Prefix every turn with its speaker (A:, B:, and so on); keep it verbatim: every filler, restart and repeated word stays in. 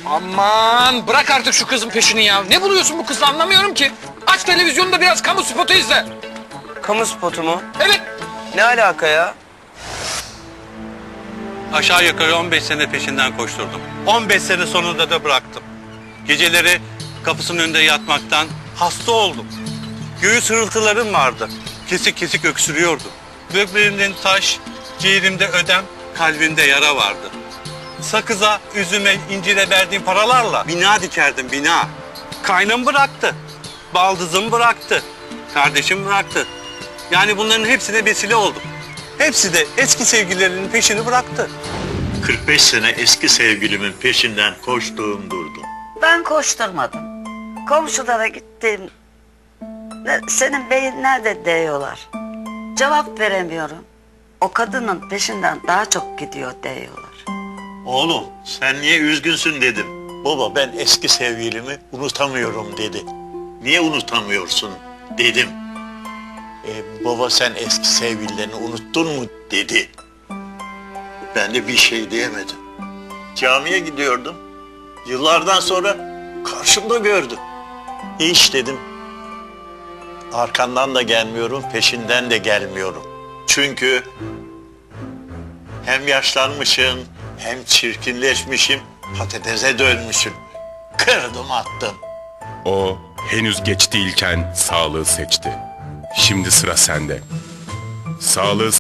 A: Aman bırak artık şu kızın peşini ya. Ne buluyorsun bu kızla anlamıyorum ki. Aç televizyonda biraz kamu spotu izle.
B: Kamu spotu mu?
A: Evet.
B: Ne alaka ya?
C: Aşağı yukarı on beş sene peşinden koşturdum. on beş sene sonunda da bıraktım. Geceleri kapısının önünde yatmaktan hasta oldum. Göğüs hırıltılarım vardı. Kesik kesik öksürüyordu. Böbreğimden taş, ciğerimde ödem, kalbimde yara vardı. Sakıza, üzüme, incire verdiğim paralarla bina dikerdim, bina. Kaynım bıraktı. Baldızım bıraktı. Kardeşim bıraktı. Yani bunların hepsine vesile oldum. Hepsi de eski sevgililerinin peşini bıraktı.
D: kırk beş sene eski sevgilimin peşinden koştuğum durdum.
E: Ben koşturmadım. Komşulara gittim. Ne- Senin beyin nerede diyorlar. Cevap veremiyorum. O kadının peşinden daha çok gidiyor diyorlar.
D: Oğlum sen niye üzgünsün dedim. Baba ben eski sevgilimi unutamıyorum dedi. Niye unutamıyorsun dedim. E, baba sen eski sevgililerini unuttun mu dedi. Ben de bir şey diyemedim. Camiye gidiyordum. Yıllardan sonra karşımda gördüm. Hiç dedim. Arkandan da gelmiyorum, peşinden de gelmiyorum. Çünkü hem yaşlanmışım, hem çirkinleşmişim, patatese dönmüşüm. Kırdım attım.
F: O henüz geç değilken sağlığı seçti. Şimdi sıra sende. Sağlığı